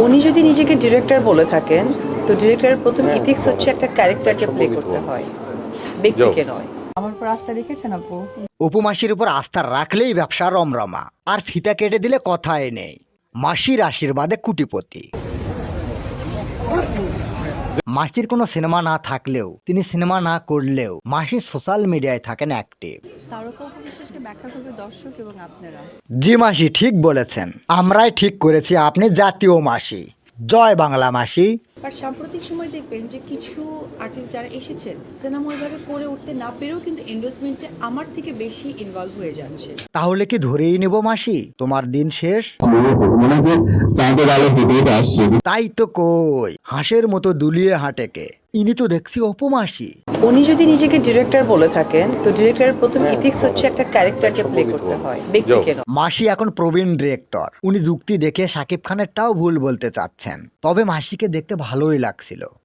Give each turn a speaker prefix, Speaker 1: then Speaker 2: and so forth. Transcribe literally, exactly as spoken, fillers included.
Speaker 1: উনি যদি নিজেকে ডিরেক্টর বলে থাকেন, তো ডিরেক্টরের প্রথম ইথিক্স হচ্ছে একটা ক্যারেক্টারকে প্লে করতে হয়, ব্যক্তিকে নয়।
Speaker 2: আমার উপর আস্থা রেখেছেন আপু?
Speaker 3: অপু মাসির উপর আস্থা রাখলেই ব্যবসা রমরমা, আর ফিতা কেটে দিলে কথাই নেই। মাসির আশীর্বাদে কুটিপতি। মাসির কোনো সিনেমা না থাকলেও, তিনি সিনেমা না করলেও মাসি সোশ্যাল মিডিয়ায় থাকেন অ্যাক্টিভ।
Speaker 2: তারকা উপবিশ্বাসকে ব্যাখ্যা করবে দর্শক এবং আপনারা।
Speaker 3: জি মাসি ঠিক বলেছেন, আমরাই ঠিক করেছি আপনি জাতীয় মাসি। জয় বাংলা মাসি।
Speaker 2: আর সাম্প্রতিক সময় দেখবেন যে কিছু আর্টিস্ট যারা এসেছেন সিনেমা ওইভাবে করে উঠতে না পেরেও কিন্তু এন্ডোর্সমেন্টে আমার থেকে বেশি ইনভলভ হয়ে যাচ্ছে।
Speaker 3: তাহলে কি ধরেই নেব মাসি তোমার দিন শেষ? তাই তো কই, হাঁসের মতো দুলিয়ে হাঁটেকে, ইনি তো দেখছি অপু মাসি।
Speaker 1: উনি যদি নিজেকে ডিরেক্টর বলে থাকেন, তো ডিরেক্টরের প্রথম ইথিক্স হচ্ছে একটা ক্যারেক্টারকে প্লে করতে হয়, ব্যক্তিকে নয়।
Speaker 3: মাসি এখন প্রবীণ ডিরেক্টর, উনি যুক্তি দেখে শাকিব খানেরটাও ভুল বলতে চাচ্ছেন। তবে মাসিকে দেখতে ভালোই লাগছিল।